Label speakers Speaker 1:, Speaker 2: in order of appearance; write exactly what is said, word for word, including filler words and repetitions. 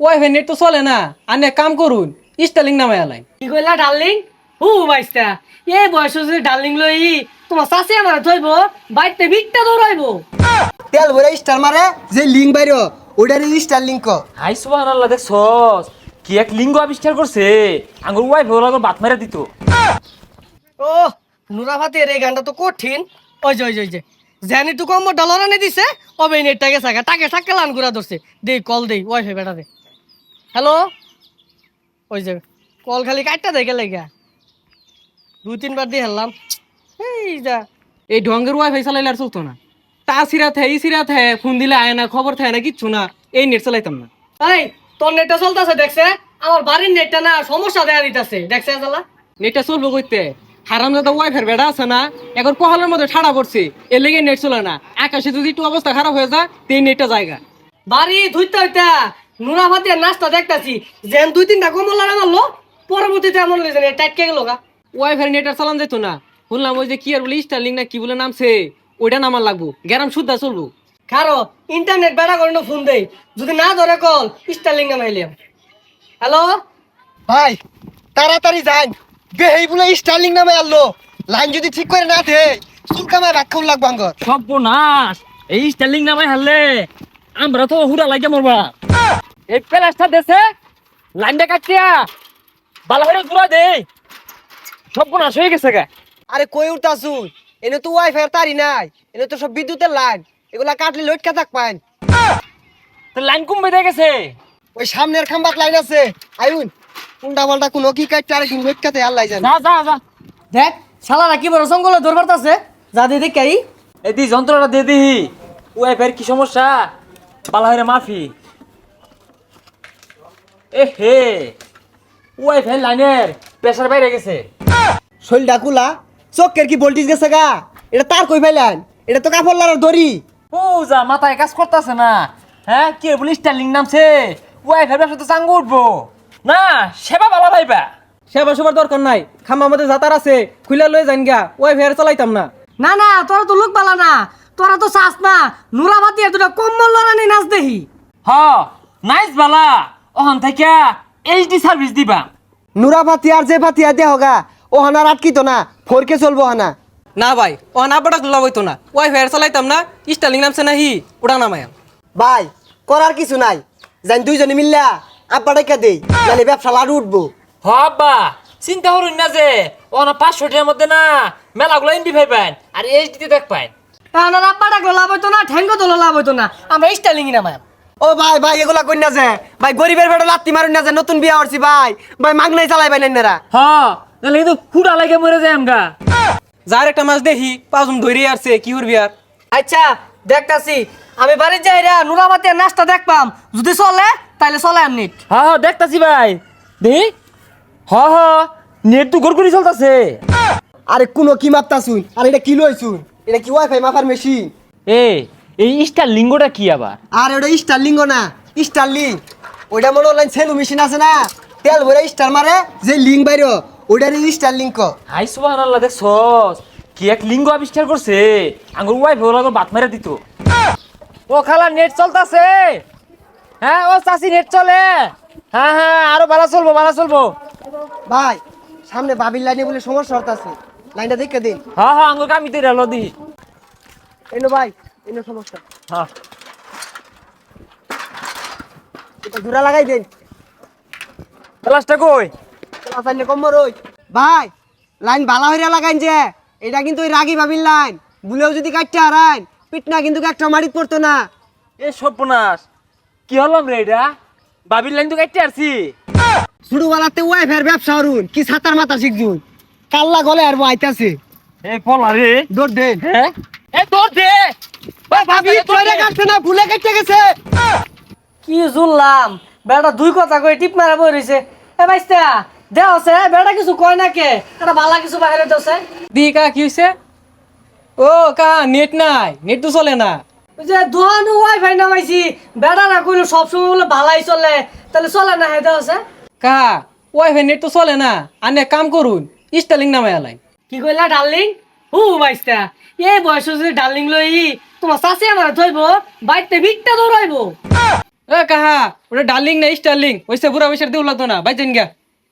Speaker 1: Wifi net তো চলে না, আনে কাম করুন স্টারলিং নামে আলাই।
Speaker 2: কি কইলা ডার্লিং? হু বাইস্তা এই বয়স যদি ডার্লিং লই তোমার চাষে আমার থইব বাইতে ভিকটা দৌড়াইবো।
Speaker 3: তেল ভরে স্টার মারে যে লিঙ্ক বাইরো ওটার স্টার লিঙ্ক।
Speaker 4: হাই সুবহানাল্লাহ, দেখছস কি এক লিঙ্গ আবিষ্কার করছে। আঙ্গুর ওয়াইফ ওর আগর বাত মেরে দিত।
Speaker 2: ও নুরাভাতের এই গানটা তো কঠিন। ওই যে ওই যে ওই যে জানি তো কম ডলার আনে দিছে অবে নেটটাকে সাকা তাকে সাকা লান ঘুরা ধরছে। দেই কল দেই ওয়াইফাই বেটা দে। হ্যালো, ওই যে কল খালি কাটটা দেখে লেগা দুই তিনবার দিয়ে হেললাম। এই যা
Speaker 1: এই ঢঙ্গের ওয়াইফাই চালাইলে আর চলতো না। তা সিরা থে ই সিরা থে, ফোন দিলে আয় না, খবর থাকে না, কিচ্ছু না। এই নেট চালাইতাম না।
Speaker 2: এই তোর নেটটা চলতেছে দেখছে, আমার বাড়ির নেটটা না সমস্যা দেখা দিতেছে দেখছে জ্বালা।
Speaker 1: নেটটা চলবো কইতে, হারামজাদা ওয়াইফাই বেড়া আছে না, এখন পহালের মধ্যে ঠাড়া পড়ছে, এর লেগে নেট চলে না। আকাশে যদি একটু অবস্থা খারাপ হয়ে যায় তো এই নেটটা জায়গা।
Speaker 2: বাড়ি ধুইতে হইতা নুরাভাতের নাস্তা দেখতাছি যেন দুই তিনটা কমল লাগা মারলো, পরবর্তীতে এমন লেগেছে নেট টাইটকে গেল গা।
Speaker 1: ওয়াইফাই নেট আর চালান যেত না। শুনলাম ওই যে কি আর বলে স্টারলিং না কি বলে নামছে, ওইটা নামার লাগবো, গ্যারাম শুদ্ধা চলবো।
Speaker 2: কারো ইন্টারনেট বেড়া করে ফোন দেই, যদি না ধরে কল স্টারলিং নামাইলাম। হ্যালো
Speaker 3: ভাই তাড়াতাড়ি যান, বেহেই বলে স্টারলিং নামে আনলো। লাইন যদি ঠিক করে না দে চুলকামায় রাখাও লাগবো আঙ্গর।
Speaker 4: সর্বনাশ, এই স্টাইলিং নামাই হারলে আমরা তো হুড়া লাগে মরবা। এই প্লাস্টার দেশে লাইনটা কাটিয়া বালা হয়ে ঘুরা দে, সর্বনাশ হয়ে গেছে গা।
Speaker 3: আরে কই উঠতাছু, এনে তো ওয়াইফাই তারি নাই, এনে তো সব বিদ্যুতের লাইন, এগুলা কাটলে লটকা থাক পাইন।
Speaker 4: তো লাইন কমবে দিয়ে গেছে।
Speaker 3: ওই সামনের খাম্বাত লাইন আছে, আইউন কোনটা বলটা কোনো কি কাটতে আরে দিন লটকাতে আল্লাহ জানে।
Speaker 4: যা যা যা,
Speaker 2: দেখ শালারা কি বড় জঙ্গলে দরবার আছে যা দিয়ে দেখাই।
Speaker 4: এই দি যন্ত্রটা দিয়ে দিহি। ওয়াইফাইয়ের কি সমস্যা, বালা হয়ে মাফি। এ হে, ওয়াইফাই লাইনের প্রেসার বাইরে গেছে।
Speaker 3: শৈল ডাকুলা চোখের কি ভোল্টেজ গেছে গা, এটা তার কই পাইলেন, এটা তো কাপড় লাগার দড়ি।
Speaker 4: ও যা মাথায় কাজ করতেছে না। হ্যাঁ কি বলি স্টাইলিং নামছে, ওয়াইফাই ব্যবসা তো চাঙ্গু উঠবো না, সেবা বালা পাইবা।
Speaker 1: সেবা সেবার দরকার নাই, খাম্বা মধ্যে যাতার আছে, খুলে লয়ে যান গা, ওয়াইফাই আর চালাইতাম না।
Speaker 2: না না তোরা তো লোক বালা না, তোরা তো চাস না নুরাভাতি দুটা কম্বল লড়ানি নাচ দেখি।
Speaker 4: হ নাইস বালা, ওখান থেকে এইচডি সার্ভিস দিবা।
Speaker 3: নুরা পাতি আর যে পাতি আর দেহ গা ও হানার আটকিত না, ফোরকে চলবো হানা।
Speaker 1: না ভাই, ও না বাটা গুলা হইতো না, ওয়াইফাই আর চালাইতাম না। স্টারলিং নামছে না হি, ওটা নামায়াম।
Speaker 3: ভাই করার কিছু নাই, জান দুইজনে মিললা আব্বা ডাইকা দেই, নালে ব্যবসা লাড়ু উঠবো।
Speaker 4: হ আব্বা চিন্তা করুন না যে ওখানে পাঁচশো টাকার মধ্যে না মেলাগুলো এমবি ভাই পাইন আর এইচডিতে দেখ পাইন।
Speaker 2: না রাব্বা ডাকলো লাভ হইতো না, ঠ্যাঙ্গো তোলো লাভ হইতো না, আমরা স্টাইলিং নামাই।
Speaker 3: ও ভাই ভাই এগুলা কই না যে, ভাই গরিবের বেটা লাত্তি মারুন না যে, নতুন বিয়া হরছি ভাই, ভাই মাগনাই চালাই ভাই নাইনারা।
Speaker 4: হ নাহলে কিন্তু হুড়া লাগে মরে যায় আমগা।
Speaker 1: যার একটা মাছ দেখি পাঁচজন ধরে আসছে, কি করবি আর।
Speaker 2: আচ্ছা দেখতাছি, আমি বাড়ির যাইরা নুরাভাতি নাচটা দেখপাম, যদি চলে তাইলে চলে আর নেট।
Speaker 4: হ হ দেখতাছি ভাই, দেখি হ হ নেট তো গড়গড়ি চলতেছে।
Speaker 3: আরে কোনো কি মাপতাছুন, আর এটা কি লইছুন, এটা কি ওয়াইফাই মাপার মেশিন?
Speaker 4: এ এই স্টার লিঙ্গটা কি আবার?
Speaker 3: আর ওটা স্টারলিং না, স্টারলিং ওইটা মনে অনলাইন সেলু মেশিন আছে না, তেল ভরে স্টার মারে যে লিঙ্ক বাইরো ওইটার স্টারলিং ক।
Speaker 4: হাই সুবহানাল্লাহ, দেখছস কি এক লিঙ্গ আবিষ্কার করছে। আঙ্গুর ওয়াইফ ওর আগর বাত মেরে দিত। ও খালা নেট চলতেছে। হ্যাঁ ও চাচি নেট চলে। হ্যাঁ হ্যাঁ আরো ভালো চলবো ভালো চলবো।
Speaker 3: ভাই সামনে বাবির লাইনে বলে সমস্যা হতাছে, লাইনটা দেখে দিন।
Speaker 4: হ্যাঁ হ্যাঁ আঙ্গুর কামিতে রেলো দি।
Speaker 3: এনো ভাই এনো সমস্যা,
Speaker 4: হ্যাঁ
Speaker 3: এটা জোড়া লাগাই দেন।
Speaker 4: ক্লাসটা কই?
Speaker 3: চাইলে কম ওই ভাই লাইন ভালো হইরা লাগাইন যে, এটা কিন্তু ওই রাগি বাবির লাইন, বুলেও যদি কাটতে হারাইন পিটনা কিন্তু একটা মারিত পড়তো না।
Speaker 4: এ সর্বনাশ, কি হলাম রে এটা? বাবির লাইন তো কাটতে আসছি।
Speaker 3: শুরু বেলাতে ওয়াইফাইয়ের ব্যবসা হরুন, কি ছাতার মাথা শিখছুন, কাল্লা গলে আর আইতাছে।
Speaker 4: এই পলা রে।
Speaker 3: দৌড় দেন।
Speaker 4: হ্যাঁ এ দৌড় দে।
Speaker 3: ভাবি তোরে কাটছে না, ভুলে কেটে গেছে।
Speaker 2: কি জুললাম বেটা দুই কথা কই টিপ মারা বই রইছে। এ ভাইস্তা দেও আছে বেটা কিছু কয় না কে, এটা বালা কিছু বাইরে দছে।
Speaker 1: দি কা কি হইছে? ও কা নেট নাই, নেট তো চলে না।
Speaker 2: ওই যে দোহানু ওয়াইফাই নামাইছি, বেটা না কইলো সব সময় বলে ভালাই চলে, তাহলে চলে না হেদে আছে।
Speaker 1: কা ওয়াইফাই নেট তো চলে না, আনে কাম করুন স্টারলিং নামে আলাই।
Speaker 2: কি কইলা ডার্লিং? হু ভাইস্তা এই বয়স যদি ডার্লিং লই তোমার চাষি আমার থইব বাইতে ভিকটা দৌড়াইবো।
Speaker 1: এ কাহা ওটা ডার্লিং না স্টার্লিং ওইসে বুড়া বৈশার দেউ লাগতো না বাইচেন গা